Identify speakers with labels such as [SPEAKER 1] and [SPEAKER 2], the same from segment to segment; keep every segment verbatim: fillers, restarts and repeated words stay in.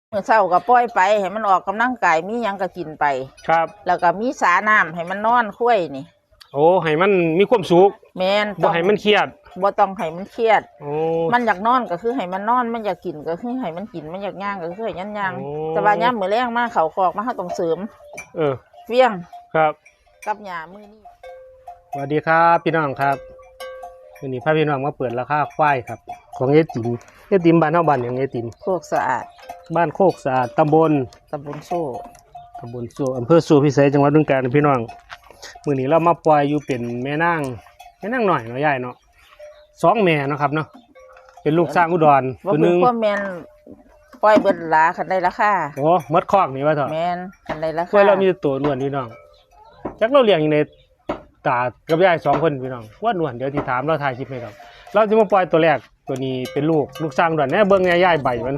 [SPEAKER 1] เมื่อเช้าก็ปล่อยไปให้มันออกกำลังกายมีหยังก็กินไป
[SPEAKER 2] ครับ
[SPEAKER 1] แล้วก็มีสาน้ำให้มันนอนคุ้ยนี่
[SPEAKER 2] โอ้ให้มันมีความสุข
[SPEAKER 1] แม่น
[SPEAKER 2] บ่ให้มันเครียด
[SPEAKER 1] บ่ต้องให้มันเครียด
[SPEAKER 2] โอ้
[SPEAKER 1] มันอยากนอนก็คือให้มันนอนมันอยากกินก็คือให้มันกินมันอยากย่างก็คือให้ย่างๆแต่ว่ายามมื้อแลงมาเข้าคอกมาเฮาต้องเสริม
[SPEAKER 2] เออ
[SPEAKER 1] เฟี้ยง
[SPEAKER 2] ครับ
[SPEAKER 1] กับหญ้ามื้อนี้
[SPEAKER 2] สวัสดีครับพี่น้องครับวันนี้พาพี่น้องมาเปิดราคาควายครับของเอติมเอติมบ้านเฮาบ้านหยังเอติม
[SPEAKER 1] โคกสะอาด
[SPEAKER 2] บ้านโคกสะอาดตำบล
[SPEAKER 1] ตำบลโซ่
[SPEAKER 2] ตำบลโซ่อำเภอโซ่พิเศษจังหวัดบึงกาฬพี่น้องมื้อนี้เรามาปล่อยอยู่เป็นแม่นางแม่นางหน่อยเนาะยายเนาะสองแม่เนาะครับเนาะเป็นลูกสร้างอุดร
[SPEAKER 1] ตัวนึงบ่แม่นปล่อยเบิดหลาคันได้ราคา
[SPEAKER 2] โอ้หมดคอกนี่ว่าเถอะ
[SPEAKER 1] แม่นคันได้ราคา
[SPEAKER 2] กล้วยเรามีตัวล้วนพี่น้องจักเราเลี้ยงอยู่ในตากับยายสองคนพี่น้องว่าล้วนเดี๋ยวสิถามเราถ่ายคลิปให้ครับเราจะมาปล่อยตัวแรกตัวนี้เป็นลูกลูกสร้างอุดรแน่เบิ่งยายใบมัน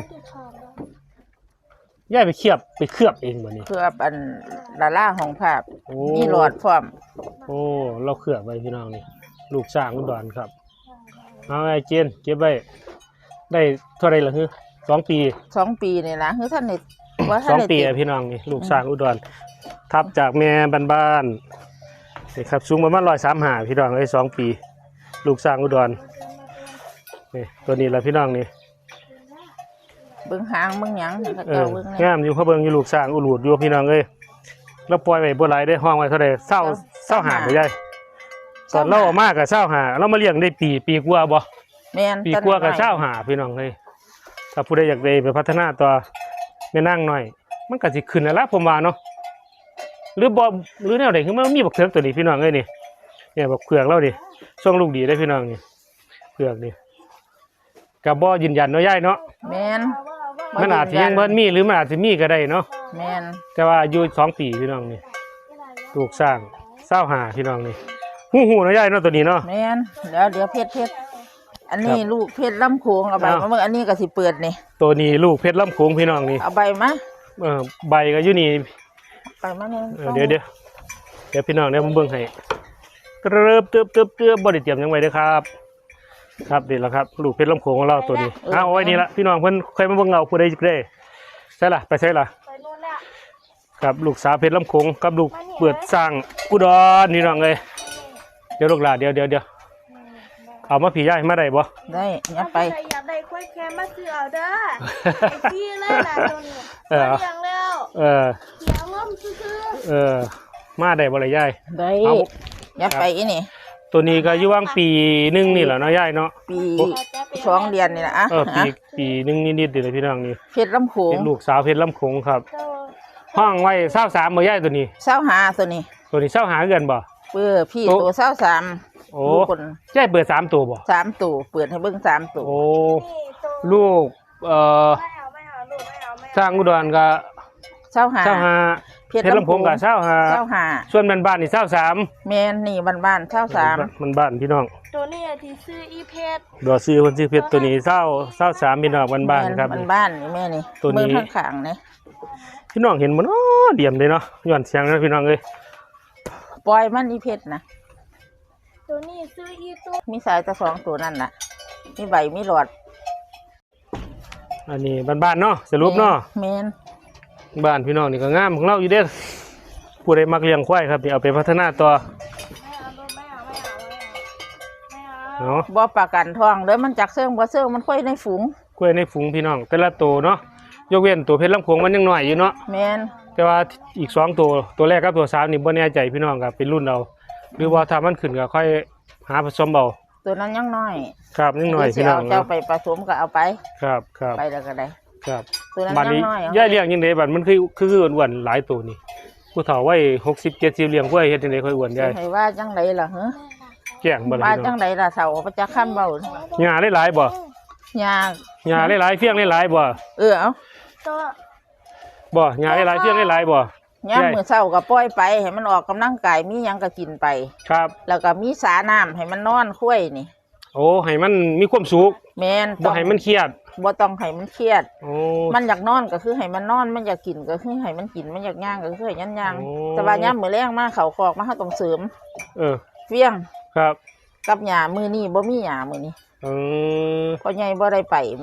[SPEAKER 2] ย่ายไปเคียบไปเคลือบเองบ่นี่
[SPEAKER 1] เคลือบอันดาราของภาพมีหลอดพร้อม
[SPEAKER 2] โอ้เราเคลือบไว้พี่น้องนี่ลูกสร้างอุดรครับเอาไอ้เจนเก็บไว้ได้เท่าไรล่ะฮึสองปี
[SPEAKER 1] สองปีนี่ล่ะคือท่านนี่
[SPEAKER 2] ว่าท่านสองปีพี่น้องนี่ลูกสร้างอุดรทับจากแม่บ้านๆนี่ครับสูงประมาณร้อยสามห้าพี่น้องได้สองปีลูกสร้างอุดรนี่ตัวนี้ล่ะพี่น้องนี่
[SPEAKER 1] เบิ่งหางเบิ่งหยัง
[SPEAKER 2] เอองามอยู่เขาเบิ่งอยู่ลูกสร้างอุลูดอยู่พี่น้องเอ้ยแล้วปล่อยไว้บ่หลายได้ห้องไว้เท่าใดเศร้าเศร้าหาบ่ใหญ่ตอนเราออกมาก็เศร้าหาเรามาเลี้ยงได้ปีปีกว่าบ่
[SPEAKER 1] แม่น
[SPEAKER 2] ปีกว่าก็เศร้าหาพี่น้องเอ้ยถ้าผู้ใดอยากได้ไปพัฒนาตัวแม่นางหน่อยมันก็สิขึ้นแล้วล่ะผมว่าเนาะหรือบ่หรือแนวใดคือมันมีบักเถือกตัวนี้พี่น้องเอ้ยนี่เนี่ยบักเผือกเราดิส่งลูกดีได้พี่น้องนี่เผือกนี่ก็บ่ยืนยันเนาะยายเนาะ
[SPEAKER 1] แม่น
[SPEAKER 2] มันอาจจะยังเพิ่นมีหรือมันอาจจะมีก็ได้เนาะ
[SPEAKER 1] แม่น
[SPEAKER 2] แต่ว่าอายุสองปีพี่น้องนี่ลูกสร้างเศร้าหาพี่น้องนี่หูหูเนาะยายเนาะตัวนี้เนาะ
[SPEAKER 1] แม่นเดี๋ยวเดี๋ยวเพชรเพชรอันนี้ลูกเพชรลำโขงเอาใบมาเมื่ออันนี้ก็สิเปิดนี่
[SPEAKER 2] ตัวนี้ลูกเพชรลำโขงพี่น้องนี่
[SPEAKER 1] เอาใบมา
[SPEAKER 2] เออใบก็อยู่นี่
[SPEAKER 1] ใบมาเนี่ย
[SPEAKER 2] เดี๋ยวเดี๋ยวเดี๋ยวพี่น้องเดี๋ยวผมเบิ่งให้เริ่มเติบเติบเติบบ่ได้เตรียมยังไงเด้อครับครับนี่แหละครับลูกเพชรลำโขงของเราตัวนี้เอาไว้นี่ละพี่น้องเพิ่นเคยมาเบิ่งเราผู้ใดจะได้ใช่ล่ะไปใช่ล่ะไปนู่นแล้วครับลูกสาวเพชรลำโขงกับลูกเปิดสร้างอุดรนี่น้องเลยเดี๋ยวลูกหลานเดี๋ยวเดี๋ยวเดี๋ยวเอามาผีย่ายมาได้บ่
[SPEAKER 1] ได้ยัดไป
[SPEAKER 3] อยากได้ควายแค่มาซื้อเอาเด้อไอ้พี่เลยนะตัวนี้เออเลี้ยงแล้ว
[SPEAKER 2] เออ
[SPEAKER 3] เลี้ยงล้มซื้อ
[SPEAKER 2] เออมาได้บ่ล่ะยาย
[SPEAKER 1] ได้ยัดไปอีนี่
[SPEAKER 2] ตัวนี้ก็อยู่ว่างปีหนึ่งนี่แหละเนาะยายเนาะ
[SPEAKER 1] ปีสองเดือนนี่แหละอ่ะ
[SPEAKER 2] เออปีปีหนึ่งนิดๆเดี๋ยวพี่น้องนี่
[SPEAKER 1] เพชรลำโขง
[SPEAKER 2] เป็นลูกสาวเพชรลำโขงครับห้องไว้เศร้าสามบ่ยายตัวนี้
[SPEAKER 1] เศร้าหาตัวนี้
[SPEAKER 2] ตัวนี้เศร้าหาเกินบ่
[SPEAKER 1] เปิดพี่ตัวเศร้าสาม
[SPEAKER 2] โอ้ยายเปิดสามตัวบ่
[SPEAKER 1] สามตัวเปิดให้เบิ้งสามตัว
[SPEAKER 2] โอ้ลูกเอ่อสร้างอุดรก็
[SPEAKER 1] เศร้าหา
[SPEAKER 2] เศร้าหาเพชรลำโขงกับเศร้าหา
[SPEAKER 1] เศร้าหา
[SPEAKER 2] ส่วนบ้านบ้านนี่เศร้าสาม
[SPEAKER 1] แม่นนี่บ้านบ้านเศร้าสาม
[SPEAKER 2] มันบ้านพี่น้อง
[SPEAKER 3] ตัวนี้ที่ซื้ออีเพชร
[SPEAKER 2] ดอกซื้อคนซื้อเพชรตัวนี้เศร้าเศร้าสามพี่น้องบ้านบ้านครับ
[SPEAKER 1] บ้านบ้านนี่แม่นี่
[SPEAKER 2] ตัวนี้
[SPEAKER 1] ข้างข้างนี่
[SPEAKER 2] พี่น้องเห็นมันอ๋อเดี่ยมเลยเนาะย้อนเสียงนะพี่น้องเลย
[SPEAKER 1] ปล่อยมันอีเพชรนะ
[SPEAKER 3] ตัวนี้ซื้ออีตัว
[SPEAKER 1] มีสายตะสองตัวนั่นน่ะมีใบมีหลอด
[SPEAKER 2] อันนี้บ้านบ้านเนาะสรุปเนาะ
[SPEAKER 1] แม่น
[SPEAKER 2] บ้านพี่น้องนี่ก็งามของเราอยู่เด้อผู้ใดมักเลี้ยงควายครับนี่เอาไปพัฒนาต่อ
[SPEAKER 1] เนาะบ่ประกันทองเลยมันจักเสื่องบ่เสื่องมันค่อยในฝูง
[SPEAKER 2] ค่อยในฝูงพี่น้องแต่ละตัวเนาะยกเว้นตัวเพชรลำโขงมันยังน้อยอยู่เนาะ
[SPEAKER 1] แม่น
[SPEAKER 2] แต่ว่าอีกสองตัวตัวแรกกับตัวสามนี่บ่แน่ใจพี่น้องครับเป็นรุ่นเอาหรือว่าถ้ามันขึ้นก็ค่อยหาผสมเอา
[SPEAKER 1] ตัวนั้นยังน้อย
[SPEAKER 2] ครับยังน้อยพี่น้อง
[SPEAKER 1] เจ้าไปผสมก็เอาไป
[SPEAKER 2] ครับครับ
[SPEAKER 1] ไปแล้วก็ได้
[SPEAKER 2] ครับตัวนั้นยังน้อยย่าเลี้ยงยังไงบัดมันคือคืออ้วนๆหลายตัวนี่ผู้เฒ่าไว้หกสิบเจ็ดสิบเลี้ยงกล้วยเฮ็ดจังได๋ค่อยอ้วนได้
[SPEAKER 1] ให้ว่าจังไดล่ะฮะ
[SPEAKER 2] แจ้งบ่ล่ะ
[SPEAKER 1] ว่าจังไดล่ะเฒ่าประจักษ์ค้ำเว้า
[SPEAKER 2] หญ้าหลายๆบ่
[SPEAKER 1] หญ้า
[SPEAKER 2] หญ้าหลายๆเฟี้ยงหลายๆบ่
[SPEAKER 1] เออเอา
[SPEAKER 2] บ่หญ้าหลายๆเฟี้ยงหลายๆบ่
[SPEAKER 1] ยามมื้อเช้าก็ปล่อยไปให้มันออกกำลังกายมีหยังก็กินไป
[SPEAKER 2] ครับ
[SPEAKER 1] แล้วก็มีสาน้ำให้มันนอนคุ้ยนี่
[SPEAKER 2] โอ้ให้มันมีความสุข
[SPEAKER 1] แม่น
[SPEAKER 2] บ่ให้มันเครียด
[SPEAKER 1] บ่ต้องให้มันเครียด
[SPEAKER 2] โอ้
[SPEAKER 1] มันอยากนอนก็คือให้มันนอนมันอยากกินก็คือให้มันกินมันอยากย่างก็คือให้ย่างๆแต่ว่ายามมื้อแลงมาเข้าคอกมาเฮาต้องเสริม
[SPEAKER 2] เออ
[SPEAKER 1] เฟี้ยง
[SPEAKER 2] ครับ
[SPEAKER 1] กับหญ้ามื้อนี้บ่มีหญ้ามื้อนี้
[SPEAKER 2] เออ
[SPEAKER 1] พ่อใหญ่บ่ได้ไปมื้อนี้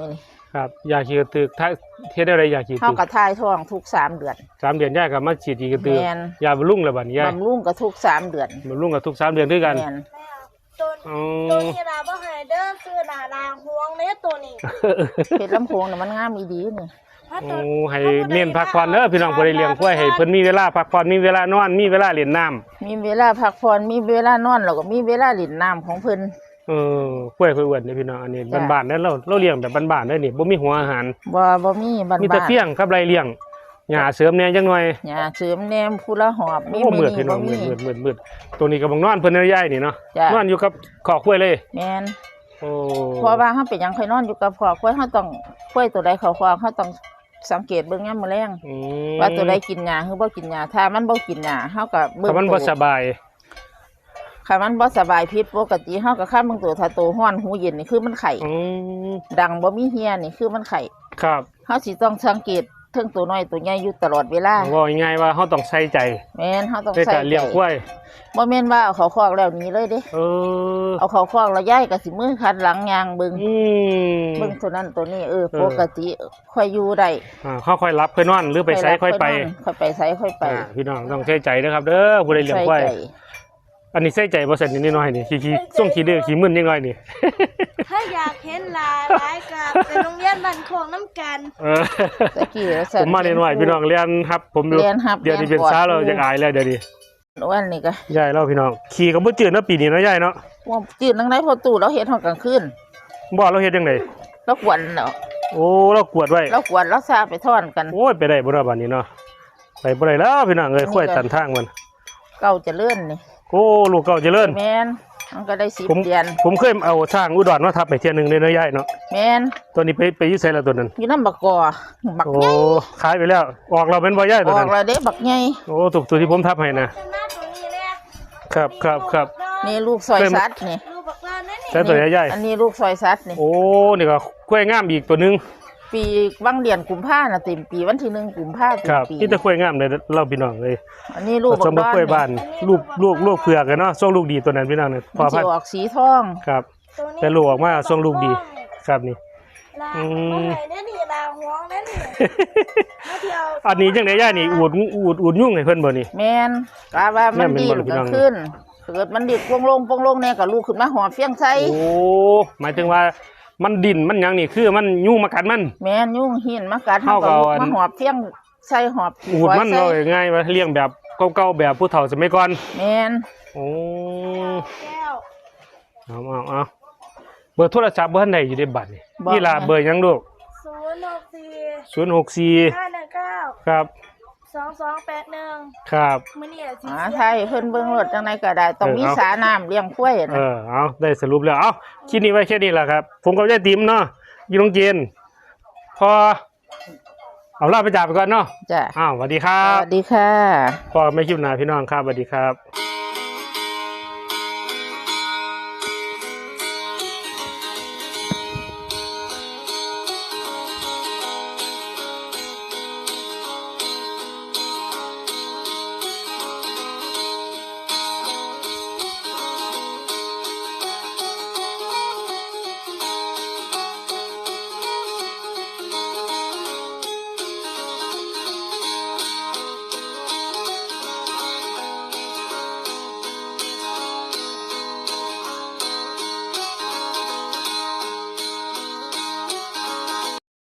[SPEAKER 2] ครับยาขี้กระตือกถ้าเฮ็ดอะไรยาขี้กระ
[SPEAKER 1] เฮา
[SPEAKER 2] ตือก
[SPEAKER 1] ก็ทายท้องทุกสามเดือน
[SPEAKER 2] สามเดือนยายก็มาฉีดขี้กระตือก
[SPEAKER 1] แม่น
[SPEAKER 2] ยาบำรุงแล้วบัดนี้ยาย
[SPEAKER 1] บำรุงก็ทุกสามเดือน
[SPEAKER 2] บำรุงกับทุกสามเดือนด้วยกัน
[SPEAKER 1] แม่น
[SPEAKER 3] ตัว
[SPEAKER 2] อ๋อ
[SPEAKER 3] ตัวนี้นะบ่ให้เด้อซื้อหน้าลางห่วงเด้อตัวนี้
[SPEAKER 1] เพชรลำโพงน่ะมันงามอีดีนี่
[SPEAKER 3] ถ้า
[SPEAKER 2] โอ้
[SPEAKER 3] ตัว
[SPEAKER 2] ให้เน้นพักผ่อนเด้อพี่น้องผู้ใดเลี้ยงกล้วยให้เพิ่นมีเวลาพักผ่อนมีเวลานอนมีเวลาเล่นน้ำ
[SPEAKER 1] มีเวลาพักผ่อนมีเวลานอนแล้วก็มีเวลาเล่นน้ำของเพิ่น
[SPEAKER 2] เออกล้วยค่อยอ้วนเด้อพี่น้องอันนี้
[SPEAKER 1] จ้ะ
[SPEAKER 2] บ้านๆเด้อเราเราเลี้ยงแบบบ้านๆเด้อนี่บ่มีหัวอาหาร
[SPEAKER 1] บ่บ่มีบ้าน
[SPEAKER 2] มีแต่
[SPEAKER 1] ๆ
[SPEAKER 2] เฟี้ยงกับไรเลี้ยงหญ้าเสริมแหน่จังหน่อย
[SPEAKER 1] หญ้าเสริมแหนมผู้ละหอบมี
[SPEAKER 2] โอ้
[SPEAKER 1] มื้
[SPEAKER 2] มื
[SPEAKER 1] อ
[SPEAKER 2] ดพี่
[SPEAKER 1] นี้
[SPEAKER 2] น้
[SPEAKER 1] บ่
[SPEAKER 2] องมื
[SPEAKER 1] มี
[SPEAKER 2] ดมืดมืดมืดตัวนี้ก็บังนอนเพิ่นเด้อยายนี่เนาะ
[SPEAKER 1] จ้ะ
[SPEAKER 2] นอนอยู่กับขอกล้วยเลย
[SPEAKER 1] แม่น
[SPEAKER 2] โอ้
[SPEAKER 1] เพราะว่าเฮาเป็นหยังค่อยนอนอยู่กับพ่อค่อยเฮาต้องค่อยตัวใดเขาคอเฮาต้องสังเกตเบิ่งยามมื้อแลง
[SPEAKER 2] อืม
[SPEAKER 1] ว่าตัวใดกินหญ้าหรือบ่กินหญ้าถ้ามันบ่กินหญ้าเฮาก็เบิ่ง
[SPEAKER 2] ถ้ามันบ่
[SPEAKER 1] ตัว
[SPEAKER 2] สบาย
[SPEAKER 1] ถ้ามันบ่สบายผิดปกติเฮาก็ค้าเบิ่งตัวถ้าตัวร้อนหูเย็นนี่คือมันไข้
[SPEAKER 2] อืม
[SPEAKER 1] ดังบ่มีเหียนี่คือมันไข้
[SPEAKER 2] ครับ
[SPEAKER 1] เฮาสิต้องสังเกตเทิงตัวน้อยตัวใหญ่อยู่ตลอดเวลา
[SPEAKER 2] ว่าง่ายๆว่าเฮาต้องใส่ใจ
[SPEAKER 1] แม่นเฮาต้อง
[SPEAKER 2] ใน
[SPEAKER 1] ใส่
[SPEAKER 2] การเลี้ยงกล้วย
[SPEAKER 1] บ่แม่นว่าเอาเขาคอกแล้วหนี้เลยเด้
[SPEAKER 2] เออ
[SPEAKER 1] เอาเขาคอกแล้วย้ายก็สิมือคัดหลังยางเบิ่ง
[SPEAKER 2] อืม
[SPEAKER 1] เบิ่งตัวนั้นตัวนี้เออ
[SPEAKER 2] เออ
[SPEAKER 1] ปกติค่อยอยู่ได้
[SPEAKER 2] อ่าค่อยๆรับค่อยนอนหรือไปไสค่อยไป
[SPEAKER 1] ค่อยไปไสค่อยไป
[SPEAKER 2] อ่าพี่น้องต้องใช้ใจนะครับเด้อผู้ใดเลี้ยงกล้วย
[SPEAKER 1] ใส่ใจ
[SPEAKER 2] อันนี้ใส่ใจบ่เสร็จนิดหน่อยนี่ขี้ขี้ส่งขี้ดื้อขี้มึนนิดหน่อยนี่
[SPEAKER 3] ถ้าอยากเห็นหลายหลายกับไปโรงเรียนบ้านโคงน้ำกัน
[SPEAKER 2] เออ
[SPEAKER 1] ตะกี้แล้ว
[SPEAKER 2] ผมมานิดหน่อยพี่น้องเรียนครับผมอยู่
[SPEAKER 1] เรียนครับ
[SPEAKER 2] เดี๋ยวนี้เป็น
[SPEAKER 1] รียกอด
[SPEAKER 2] สาวเราจะอายแล้วเดี๋ยวนี้
[SPEAKER 1] อ้วนนี่ก็
[SPEAKER 2] ยายเล่าพี่น้องขี่กับบ่จืดเนาะปีนี้เนาะยายเนาะ
[SPEAKER 1] ว่าจืดนังไดพอตู้เราเฮ็ดฮอดกลางคืน
[SPEAKER 2] บ่เราเฮ็ดจังได๋
[SPEAKER 1] แล้วกวนเนาะ
[SPEAKER 2] โอ้เรากวดไว้
[SPEAKER 1] แล้วกวนแล้วซาไปท่อนกัน
[SPEAKER 2] โอ้ยไปได้บ่เนาะบัดนี้เนาะไปบ่ได้แล้วพี่น้องเอ้ยค่อยตันทางมัน
[SPEAKER 1] เก่าเจะเลื่อนนี่
[SPEAKER 2] โอ้ลูกเก่าเจริญ
[SPEAKER 1] แม่นมันก็ได้สิบ
[SPEAKER 2] ผม
[SPEAKER 1] เดือน
[SPEAKER 2] ผมเคยเอาทางอุดรมาทับไปเที่ยหนึงเลยเนาะยายเนาะ
[SPEAKER 1] แม่น
[SPEAKER 2] ตัวนี้ไปไปอยู่ไสแล้วตัวนั้น
[SPEAKER 1] อยู่นำบักกอบัก
[SPEAKER 2] โอ้
[SPEAKER 1] ใหญ่
[SPEAKER 2] ขายไปแล้ว ออกเราเป็นบ่ยาย
[SPEAKER 1] อ
[SPEAKER 2] ตัว
[SPEAKER 1] อ
[SPEAKER 2] นั้
[SPEAKER 1] ก
[SPEAKER 2] น
[SPEAKER 1] แล้วเด้บักใหญ่
[SPEAKER 2] โอ้ถูกตัวที่ผมทับให้นะ
[SPEAKER 3] ชนะตัวนี้เนี่ย
[SPEAKER 2] ครับครับครับ
[SPEAKER 1] นี่ลูกซอยสัตว์นี่
[SPEAKER 3] ลูกบักลานนั่นนี่
[SPEAKER 2] ใช้ตัวใหญ่
[SPEAKER 1] อันนี้ลูกซอยสัตว์นี่
[SPEAKER 2] ๆโอ้นี่ก็กล้วยงามอีกตัวหนึง
[SPEAKER 1] ปีวังเดือนกุมภาน่ะเต็มปีวันที่หนึ่งกุมภาเต็
[SPEAKER 2] ค
[SPEAKER 1] ม
[SPEAKER 2] รับ
[SPEAKER 1] ปี
[SPEAKER 2] นี่แต่กล้วยงามเลยเราพี่น้องเลย
[SPEAKER 1] อันนี้ลูก
[SPEAKER 2] ผ
[SPEAKER 1] บั
[SPEAKER 2] ส
[SPEAKER 1] ก
[SPEAKER 2] มกับกล้วยบ้านลูกลูกลูกเผือกกันเนาะส่งลูกดีตัวนั้นพี่น้องเนี่ยพ
[SPEAKER 1] มั
[SPEAKER 2] อน พั
[SPEAKER 1] สิ
[SPEAKER 2] นธุ์
[SPEAKER 1] ออกสีทอง
[SPEAKER 2] ครับ
[SPEAKER 3] ตัวนี้
[SPEAKER 2] แต่ลูกออกมาส่งลูกดีครับนี่
[SPEAKER 3] ลา
[SPEAKER 2] อืม
[SPEAKER 3] บ่ให้นั่นนี่ลาห่วงนั่นนี่มาเที่ยว
[SPEAKER 2] อันนี้จังได๋ย่านี่อูดอูดอูดยุ่งให้เพิ่นบ่นี่
[SPEAKER 1] แม่นกะว่ามัน
[SPEAKER 2] แม่
[SPEAKER 1] ดี
[SPEAKER 2] น
[SPEAKER 1] ด
[SPEAKER 2] เป็นบ่ล่ะพี่น้
[SPEAKER 1] ก็
[SPEAKER 2] อง
[SPEAKER 1] ขึ้นเกิดมันดีดปงลงปงลงแน่ก็ลูกขึ้นมาหอบเฟียงใส่
[SPEAKER 2] โอ้หมายถึงว่ามันดิ่นมันหยังนี่คือมันยุ่งมากัดมัน
[SPEAKER 1] แม่นยุ่งหินมากัด
[SPEAKER 2] เฮาก็
[SPEAKER 1] ลูก
[SPEAKER 2] เอาอัน
[SPEAKER 1] มาหอบเฟียงใส่หอบ
[SPEAKER 2] อูดมัน
[SPEAKER 1] ใส่
[SPEAKER 2] เลยง่ายว่าเลี้ยงแบบเก่าๆแบบผู้เฒ่าสมัยก่อน
[SPEAKER 1] แม่น
[SPEAKER 2] โอ้
[SPEAKER 3] แก้ว
[SPEAKER 2] เอาเอาเอาเบอร์โทรศัพท์เบอร์ไหนอยู่ในบัตรนี่
[SPEAKER 1] บอก
[SPEAKER 2] นี่ล่ะ
[SPEAKER 1] แม่
[SPEAKER 2] เบอร์หยังลูก
[SPEAKER 3] ศูนย์หกสี่
[SPEAKER 2] ศูนย์หกสี่
[SPEAKER 3] ห้าหนึ่งเก้า
[SPEAKER 2] ครับ
[SPEAKER 3] สองสองแปดหนึ่ง
[SPEAKER 2] ครับ
[SPEAKER 3] มื้อนี้อะสิ
[SPEAKER 1] หาไทยเพิ่นเบิ่งรถจังไดก็ได้ต้อง
[SPEAKER 2] เออ
[SPEAKER 1] มี
[SPEAKER 2] เอา
[SPEAKER 1] สาน้ำเลี้ยงควาย
[SPEAKER 2] เอ
[SPEAKER 1] น่ะ
[SPEAKER 2] อเอาได้สรุปแล้วเอาคลิปนี้ไว้แค่นี้แหละครับ ผมกับยายติ๋มเนาะอยู่โรงเรียนพอเอาลาไปจากไปก่อนเนาะ
[SPEAKER 1] จ้ะ
[SPEAKER 2] อ้าวสวัสดีครั
[SPEAKER 1] ส
[SPEAKER 2] บ
[SPEAKER 1] วัสดีค่ะ
[SPEAKER 2] พอไม่คลิปหน้าพี่น้องครับสวัสดีครับ